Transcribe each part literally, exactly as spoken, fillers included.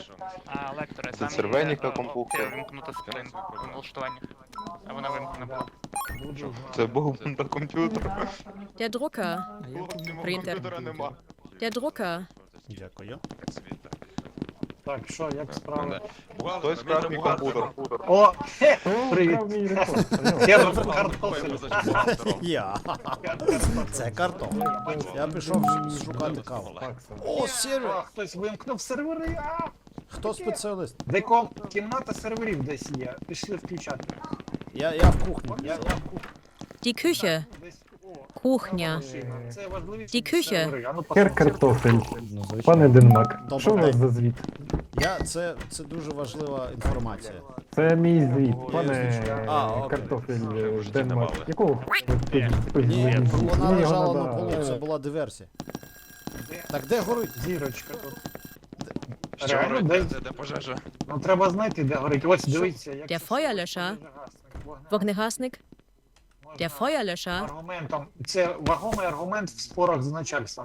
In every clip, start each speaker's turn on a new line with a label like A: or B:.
A: що у нас?
B: А, лекторе,
C: Це
B: там
C: червеніка
B: є, о,
C: компухи.
B: о, вимкнута скрин налаштування. А вона вимкнена була.
C: Це був на комп'ютер.
D: Der Drucker.
C: Хлопці, мого
D: Принтер.
C: комп'ютера нема.
D: Der Drucker.
E: Дякую.
A: Так собі, так.
F: Так, що, як справи?
C: Хтось вкрав мій комп'ютер.
F: О, хе, привіт. Хер
A: Ой,
F: картофель.
A: ми за бухгалтером.
E: Я. Це картон. Я пішов шукати каву. О,
F: А,
E: сервер!
F: хтось вимкнув сервери. А,
E: Хто спеціаліст?
F: Деком кімната серверів десь є. Пішли включати.
E: Я, я в кухні.
F: Я, я в кухні.
D: Die Küche.
F: Десь, о,
D: Кухня.
F: машина. Це важливіше.
D: Die Küche.
F: сервери. А ну,
G: Хер
F: послухай.
G: картофель.
E: Ну, звичайно.
G: Пане Денмак,
E: Добре.
G: що у вас за звіт?
E: Я, це, це дуже важлива інформація.
G: Це мій звіт, пане
E: А, окей.
G: картофель
A: Вже в
G: е,
A: житті
G: Денмак.
A: давали.
G: Якого ви спи-
E: Ні,
G: спи-
E: вона
G: Мені його
E: лежала на
G: надо,
E: полу, це
G: е,
E: була диверсія.
F: Де?
E: Так де горить?
F: Зірочка тут.
A: Що
F: Реально,
A: робить?
F: десь-
A: Де, де пожежа?
F: Ну треба знайти, де горить. Ось дивіться. як
D: Der
F: це
D: Feuerlöscher.
F: вогнегасник.
D: Wognegasnik.
F: Можна
D: Der Feuerlöscher.
F: Аргументом. Це вагомий аргумент в спорах з начальством.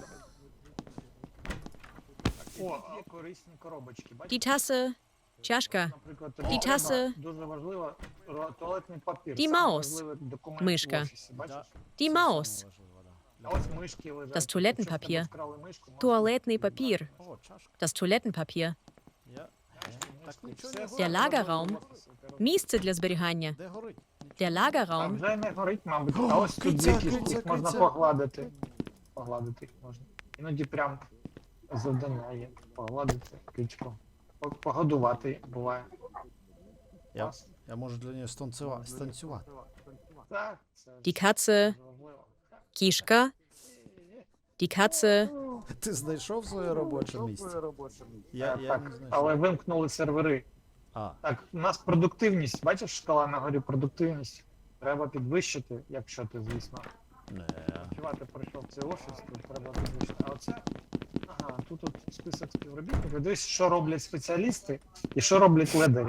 F: О, є корисні коробочки. Бачите?
D: Die Tasse. Чашка.
F: Наприклад, тобі
D: Die
F: треба
D: Tasse.
F: дуже важливо ро- туалетний папір.
D: Die
F: Самий
D: Maus.
F: важливий документ
D: Мишка.
F: в офісі, бачиш?
D: Die Maus.
F: А ось мишки лежать.
D: Das Toilettenpapier.
F: Якщо в тебе вкрали мишку, можна-
D: Туалетний папір.
E: О, чашка.
D: Das Toilettenpapier.
E: Я... Так нічого не
F: Все
D: Der
E: горить.
D: Lagerraum. Місце для зберігання.
E: Де горить?
D: Der
F: А
D: Lagerraum.
F: вже не горить, мабуть. А ось тут
E: киця,
F: дві кістки,
E: киця,
F: їх можна
E: киця.
F: погладити. Погладити їх можна. Іноді прям завдання є. Погладити кичку. По- Погодувати буває.
E: Я, я можу для неї станцювати. станцювати.
F: Так, це
D: Die Katze.
F: дуже важливо.
D: Кішка. Die Katze.
E: Ти знайшов своє робоче місце? Я,
F: Е,
E: я
F: так,
E: не знайшов.
F: але вимкнули сервери.
E: А,
F: Так, у нас продуктивність, бачиш, шкала на горі продуктивність. Треба підвищити, якщо ти, звісно,
E: не.
F: працювати прийшов в цей офіс, тут треба підвищити. А оце, ага, тут от список співробітників. Дивись, що роблять спеціалісти і що роблять ледері.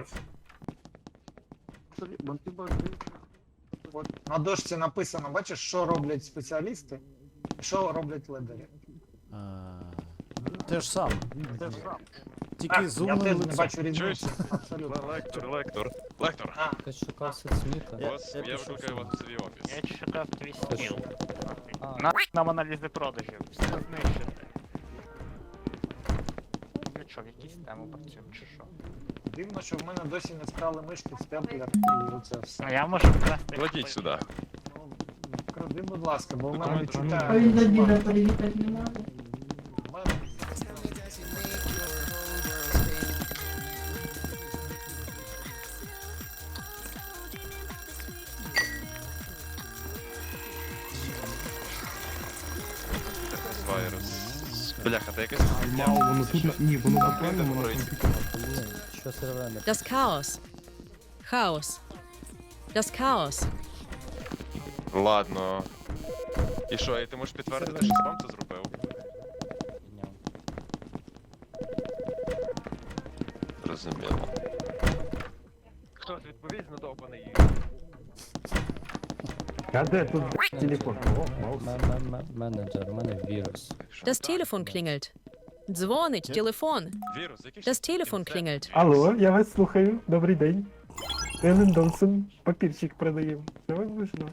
F: От на дошці написано, бачиш, що роблять спеціалісти і що роблять ледері.
E: А, те ж саме. Тільки
F: Так,
E: з
F: я
E: умним
F: теж не
E: лицем.
F: бачу
A: Чуєш?
F: різниці. Абсолютно.
A: Лектор, лектор. Лектор,
F: А,
H: Ти шукав соцміта?
E: Я-
A: ось
E: я
A: я
E: пішов
A: викликаю
E: сюди.
A: вас в свій офіс.
B: Я читав твій стіл.
H: А.
B: На нам аналізи продажів. Все знищити. Для чого, якісь теми працюємо чи що?
F: дивно, що в мене досі не вкрали мишки, степлер і оце все.
B: Ну я можу вкрасти.
A: Кладіть сюди.
F: Ну, кради, будь ласка, бо в мене
A: Документи.
F: відчуття.
I: А він заділя переїхати не може.
F: В мене-
A: Вайрус. Бляха, та якась
G: Мало, воно тут ні, воно
A: Там
G: буквально
A: принтер
G: воно
A: горить.
G: комп'ютер.
H: Що сервер не
D: Das Chaos. Chaos. Das Chaos.
A: Ладно. І що, і ти можеш підтвердити, що спам це зробив?
H: підняв?
A: Зрозуміло.
J: Хтось відповість на довбаний.
G: А де тут телефон? О, маус.
H: М- м- м- Менеджер, у мене вірус.
D: Das Telefon klingelt. Дзвонить телефон.
A: Вірус, який
D: Das Telefon klingelt.
G: Алло, я вас слухаю. Добрий день. Елен Донсон, папірчик продаємо. Що вам нужно?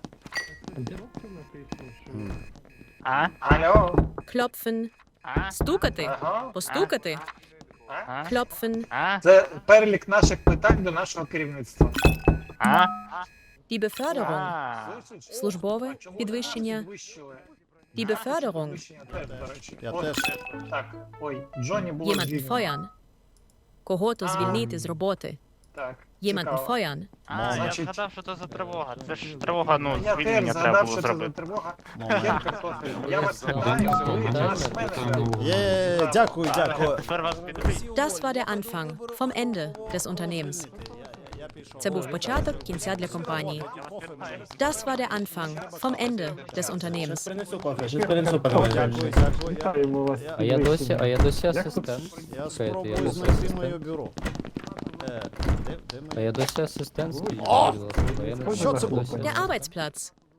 B: А?
F: Алло?
D: Klopfen.
B: А?
D: Стукати.
F: Ага.
D: Постукати.
B: А?
D: Klopfen.
B: А?
F: Це перелік наших питань до нашого керівництва.
B: А?
D: Die Beförderung.
B: А?
F: Слышиш?
D: Службове
F: А чому
D: підвищення.
F: нас підвищили?
D: Die
F: Нас
D: Beförderung.
F: підвищення теж, до речі.
E: Я
F: От,
E: теж.
F: Так, ой, Джонні було
D: Jemanden
F: звільнено.
D: feuern. Кого-то
F: А.
D: звільнити з роботи.
F: Так,
D: Jemanden
F: цікаво.
D: feuern.
B: А, я
F: Значить-
B: згадав, що це за тривога. Це ж тривога, ну,
F: Я теж
B: звільнення треба
F: згадав,
B: було
F: що це за
B: зробити.
F: тривога.
E: Момент.
F: Хер картофель. Я вас
H: Це
F: питаю, ви
H: момент.
F: наш менеджер.
E: Є, дякую, дякую.
B: Тепер вас підвищують.
D: Das war der Anfang vom Ende des Unternehmens. Це був початок кінця для компанії. Das war der Anfang vom Ende des Unternehmens.
E: Дякую, дякую.
G: Вітаємо вас.
H: А я досі, а я досі
G: Як
H: асистент.
E: Я
H: Чекайте, я
E: спробую
H: досі
E: знайти моє
H: асистент.
E: бюро. Е, де, де
H: А
E: моє?
H: я досі асистент. скажіть,
E: О!
H: будь ласка, бо я не
E: Що це
H: знаю,
E: було?
H: досі.
D: Der Arbeitsplatz.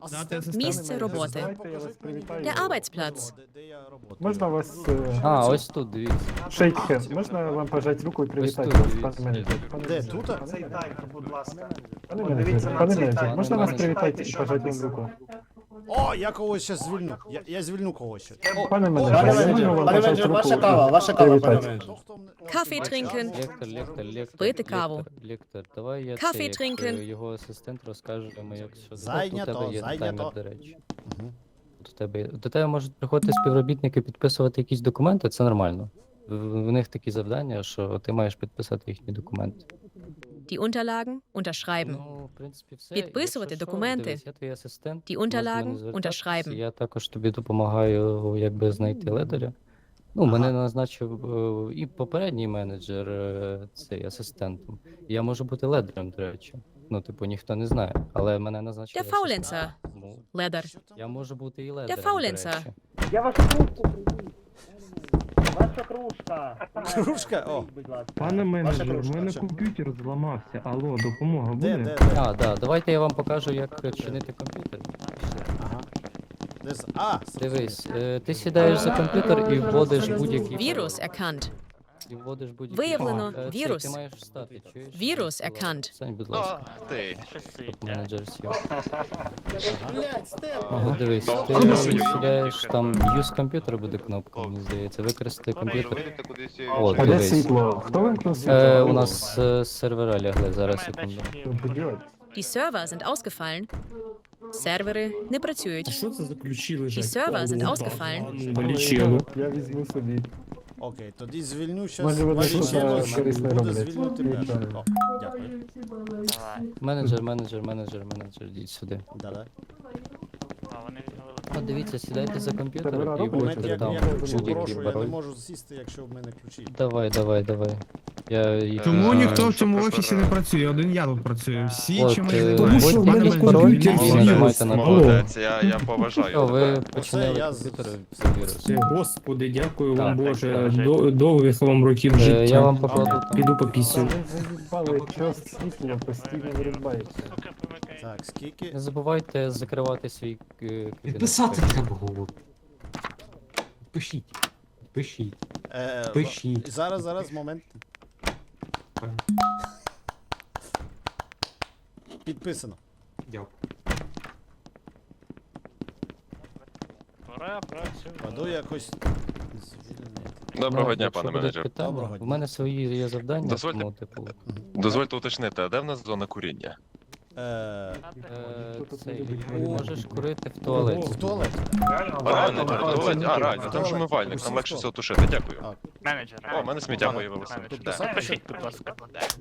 E: Асистент.
D: Місце роботи.
G: Давайте я вас привітаю.
D: Der Arbeitsplatz.
E: Де, де я роботаю?
G: Можна вас... е,
H: А, ось тут, дивіться.
G: Shake hand. Можна вам пожати руку і привітати
H: тут,
G: вас,
H: дивіться.
G: пане менеджер? Пане
E: Де,
G: менеджер.
E: тут?
F: Цей таймер, будь ласка.
G: Пане
F: Подивіться
G: менеджер,
F: на
G: пане
F: цей
G: менеджер,
F: таймер.
G: можна вас
F: Прочитайте,
G: привітати і
F: що
G: пожати вам
F: написано.
G: руку?
E: О, я когось ще звільню. Я, я звільню когось ще. О,
G: Пане
E: о,
G: менеджер,
E: пане
G: я
E: менеджер,
G: можу вам
E: пане
G: пожати
E: менеджер,
G: руку
E: ваша
G: і
E: кава, ваша кава, пане
G: привітати?
E: менеджер. Хто, хто м-
D: Kaffee trinken.
H: Лектор, лектор, лектор.
D: Пити
H: лектор,
D: каву.
H: Лектор, давай я
D: Кафе
H: це, як,
D: trinken.
H: е, його асистент розкаже йому, як що
E: Зайнято,
H: Тут у тебе є
E: зайнято.
H: таймер, до речі.
E: Мгм.
H: До тебе, до тебе можуть приходити співробітники підписувати якісь документи, це нормально. В, в них такі завдання, що ти маєш підписати їхні документи.
D: Die Unterlagen unterschreiben.
H: Ну, в принципі, все.
D: Підписувати
H: Якщо що,
D: документи.
H: дивись, я твій асистент.
D: Die
H: можеш до
D: Unterlagen
H: мене звертатися,
D: unterschreiben.
H: Я також тобі допомагаю, якби знайти ледаря. Ну, мене назначив е, і попередній менеджер е, цей асистентом. Я можу бути ледарем, до речі. Ну, типу, ніхто не знає, але мене назначили.
D: Der Faulenzer.
H: асистентом. Тому
D: Leder.
H: я можу бути і ледарем,
D: Faulenzer.
H: до речі.
J: Я вашу кружку привіз. Ваша кружка.
E: Кружка, о.
J: Будь ласка.
G: Пане менеджер,
E: кружка,
G: в мене
E: що?
G: комп'ютер зламався. Алло, допомога
E: Де,
G: буде?
E: де, де?
H: А, да, давайте я вам покажу, як чинити комп'ютер.
E: Ага. Де з- А,
H: Дивись, е, ти сідаєш за комп'ютер і вводиш будь-який
D: Virus erkannt.
H: І вводиш будь-який
D: Виявлено
H: пароль. Е, цей,
D: вірус.
H: Ти маєш встати, чуєш?
D: Вірус
H: Будь ласка,
D: erkannt.
H: Стань, будь ласка,
A: А, ти.
H: щоб менеджер сів.
J: Блядь, Степ.
H: Ну, дивись,
A: Ну,
H: ти
A: ну,
H: сідаєш, там use комп'ютер буде кнопка, мені здається, використати комп'ютер.
C: Вийдете кудись і...
H: О,
G: А де
H: дивись.
G: світло? Хто вимкнув світло?
H: Е,
G: Алло.
H: у нас е, сервера лягли, зараз
B: Немає
H: секунду.
B: датчиків.
G: Що делать?
D: Die Server sind ausgefallen. Сервери не працюють.
G: Що це за ключі
D: Die Server sind ausgefallen.
G: Валічело. Я візьму собі.
E: окей, тоді звільню щас
G: Може, вони
E: Валічело,
G: щось
E: щоб
G: корисне
E: буде
G: роблять.
E: звільнити
G: Нічого.
E: першим. О, дякую.
B: Давай.
H: Менеджер, менеджер, менеджер, менеджер, йдіть сюди.
E: Да-да.
B: А, вони відновили.
H: От дивіться, сідайте за комп'ютер
G: Сервера
H: і
G: роблять?
E: Момент,
H: вводьте
E: як
H: там
E: я ключі
H: будь-який
E: прошу, я не
H: пароль.
E: можу сісти, якщо в мене ключі.
H: Давай, давай, давай. Я їх
A: Чому
H: знаю.
A: ніхто в цьому
K: офісі не працює, один я тут працюю. Всі
H: От,
K: чимось
H: е,
K: займаються.
G: що в
K: Пане
G: мене
K: менеджер,
G: комп'ютер
K: він
H: і
K: вірус.
H: нажимайте на
A: Молодець, я, я поважаю
H: Що, ви
A: тебе.
H: починили
E: я з-
H: комп'ютер, це вірус.
G: Господи, дякую
H: вам,
G: вам,
H: Так,
G: Боже.
B: так,
G: До- Довгих вам років
H: Е,
G: життя.
H: Я вам покладу там.
G: Піду попісю. Ви заїбали, час світла постійно вирубається.
B: Сука, помикай.
E: Так, скільки?
H: Не забувайте закривати свій е, кабінет.
K: Підписати треба голову. Пишіть. Пишіть.
E: Е,
K: Пишіть.
E: Зараз, зараз, момент. Підписано.
K: Дякую.
B: Пора працювати.
E: Паду якось звільнити.
A: Доброго
H: Ну,
A: дня,
H: якщо
A: пане
H: будуть
A: менеджер.
H: питання,
E: Доброго
H: У
E: дня.
H: мене свої є завдання,
A: Дозвольте.
H: тому, типу,
A: Дозвольте уточнити, а де в нас зона куріння?
E: Е,
H: е,
G: Хто тут
H: цей,
G: любить
H: ти
G: курити?
H: можеш курити в туалеті.
E: в туалет.
F: Реально,
A: А,
F: реально,
A: менеджер,
F: реально.
A: туалет. А, реально, там же умивальник, там легше все тушити, дякую.
E: А,
B: Менеджер.
A: О, в мене сміття появилося.
B: Менеджер.
A: Де?
B: Запишіть, будь ласка.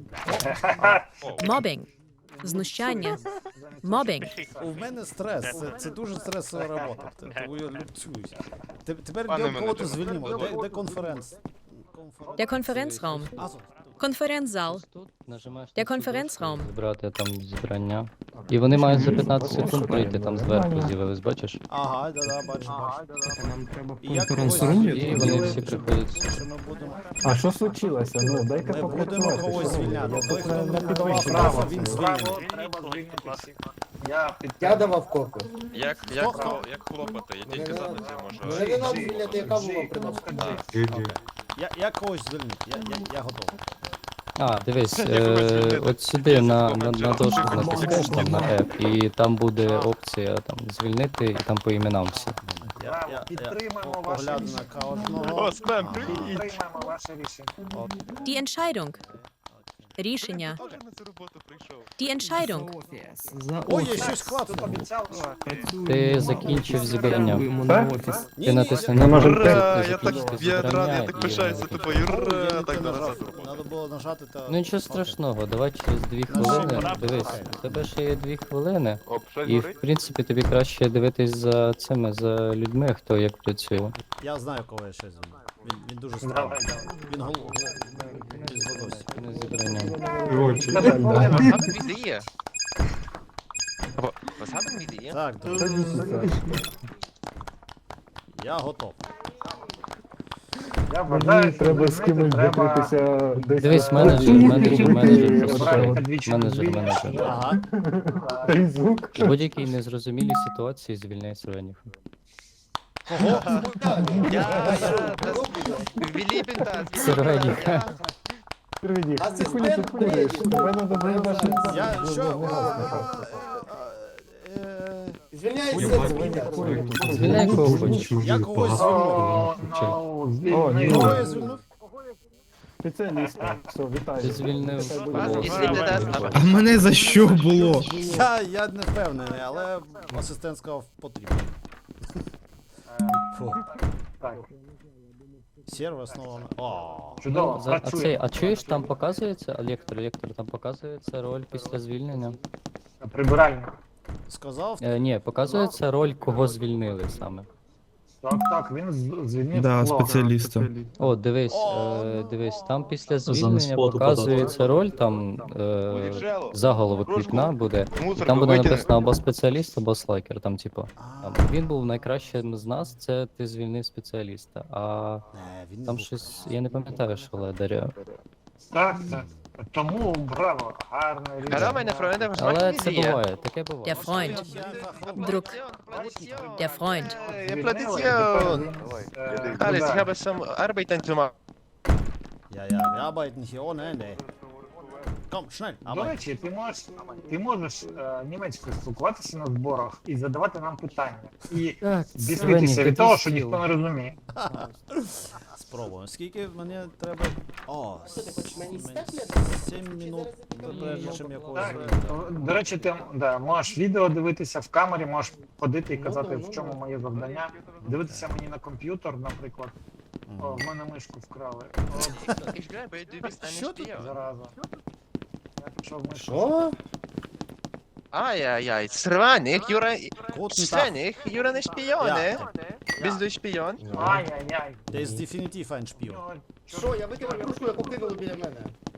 A: О,
D: Мобінг. Знущання. Мобінг.
E: У мене стрес, це, це дуже стресова робота, т- тому я люблюсь. Те- Тепер
C: Пане
E: де кого
C: менеджер,
E: то звільнимо, де, де конференц?
D: Der Konferenzraum.
E: А, тут.
D: Konferenzsaal.
H: Ось тут нажимаєш
D: Der
H: на цю
D: Konferenzraum.
H: дошку, Збирати там зібрання. І вони мають за п'ятнадцять секунд прийти, там зверху з'явились, бачиш?
E: Ага, да-да, бачу, бачу.
G: Нам треба
E: І як
G: конференц-рум.
E: когось
H: І вони всі приходять.
E: Що ми будемо...
G: А що случилося? Ну, дайте
E: Ми
G: попрацювати.
E: будемо когось
G: що ви?
E: звільняти.
G: Я
E: Той,
G: тут
E: хто
G: на
E: не давав
G: підвищенні.
E: права, він звільнений.
F: Право
B: Звільніть,
F: треба
B: будь
F: звільнити
B: ласка.
F: всіх. Я
J: Я
F: підтримую.
J: давав коку.
A: Як, як, хло- як хлопати, я тільки за ноги можу.
J: Вже не надо звільняти, яка була
F: Джи,
J: приносить.
F: Джи.
E: Я, я когось звільнити, я, я, я готовий.
H: А, дивись,
A: Я тебе
H: е,
A: звільнити.
H: от сюди на, на, на
A: Менеджер.
H: дошку натискаєш там на F, і там буде опція там звільнити, і там по іменам всі.
E: Я,
F: Браво,
E: я,
F: підтримаємо
E: я
F: ваше
E: погляду
F: рішення.
E: на кожного.
A: О, спем,
E: Ага.
A: привіт!
F: Підтримаємо ваше рішення.
D: Die Entscheidung. Рішення.
A: Хто вже на цю роботу прийшов?
D: Die Entscheidung.
E: Ой, я щось
F: Тут
E: клацнув.
F: обіцяв, що
H: Ти закінчив зібрання.
G: Так?
E: Ні,
H: Ти
E: ні,
H: натисни
E: я-
H: на
G: може,
H: кнопку,
A: Ура,
H: ти
A: я так,
H: закінчити
A: я радий,
H: зібрання,
A: я так
H: і
A: пишаюся
H: вони
A: тобою,
E: Ой,
A: ура,
E: я не
A: так
E: те
A: на
E: нажав.
A: назад роботу.
E: Надо було нажати та...
H: Ну нічого страшного, давай через дві хвилини. Дивись, у тебе ще є дві хвилини,
C: Оп, щось
H: і в
C: горить?
H: принципі тобі краще дивитись за цими, за людьми, хто як працює.
E: Я знаю, кого я ще звільню. Він, він дуже
F: Давай,
E: странний.
F: давай.
E: Він гол... гол... Він згодився.
H: Не зібрання.
A: Was haben wir die? Aber was haben wir die?
E: Так, добре. Я готов.
F: я Я вважаю,
G: Мені
F: що
G: треба з
F: звільнити
G: кимось
F: треба
G: закритися десь.
H: Дивись,
G: на-
H: менеджер, менеджер, менеджер,
G: От
H: просто
F: Брати
G: так.
F: двічі
H: менеджер,
F: звільнення.
H: менеджер.
E: Ага.
G: Той звук.
H: У будь-якій незрозумілій ситуації звільняй Сиренів.
A: Я, я, das, wir lieben das.
H: Сиренів.
G: Привіді, ти хули тут куриш? Тебе надо було наше...
E: Я що?
K: Я
H: Звільняй кого хочеш.
E: Я когось
F: О,
E: звільнив.
F: ну,
G: О, ні.
F: звільнили.
E: Кого я звільнив?
G: Спеціаліста. Все, вітаю.
H: Ти звільнив
G: Нехай буде
A: Вас,
G: Бог.
A: якщо ти дасть-
K: А мене за що було?
E: Я, я не впевнений, але асистент сказав потрібно. Фу.
F: Так,
E: Сервер знову. О.
F: чудово,
H: За- А
F: працює.
H: цей, а чуєш, там показується, а лектор, лектор, там показується роль після звільнення?
F: Прибиральник.
E: Сказав?
H: Е, ні, показується роль, кого звільнили саме.
F: Так, так, він з- звільнив
K: Да,
F: Флога.
K: спеціаліста.
H: О, дивись, е, дивись, там після звільнення показується роль, там е, заголовок вікна буде, і там буде написано або спеціаліст, або слайкер, там типу. Там, він був найкращим з нас, це ти звільнив спеціаліста. А
E: Не, він не
H: там
E: був
H: щось, я не пам'ятаю, що ледаря.
F: Так, так. Тому, браво, гарне рішення.
A: Hallo meine Freunde, was
H: Але
A: machen
H: це
A: Sie hier?
H: буває, таке буває.
D: Der Freund. Druck. Der Freund.
A: Äh,
F: Звільнили,
A: Applaudission.
F: тепер він, е,
A: Alles, ich
F: туди.
A: habe some Arbeiten zu machen.
E: Ja, ja, wir arbeiten hier ohne Ende. Komm, schnell,
F: До
E: arbeiten.
F: речі, ти можеш, ти можеш е, німецькою спілкуватися на зборах і задавати нам питання. І
H: Так,
F: біснитися від того, що ніхто не розуміє.
E: Спробуємо. Скільки мені треба? О, сім минут, прежде чим я когось
F: Так,
E: звільню.
F: до речі, ти да, можеш відео дивитися в камері, можеш ходити і казати, в чому моє завдання. Дивитися мені на комп'ютер, наприклад. О, в мене мишку вкрали. О,
A: Ich glaube, du bist ein
E: Що тут?
A: Spion.
F: зараза. Я пішов мишку.
E: Що?
A: Ai, ai, ai, Sranik, Jura...
E: Guten Tag.
A: Sranik, Jura ein Spion,
E: Ja.
A: ne? Bist du Spion?
F: Ай-яй-яй.
E: Der ist definitiv ein Spion.
F: Що,
J: Я викинув кружку, яку кинули біля мене.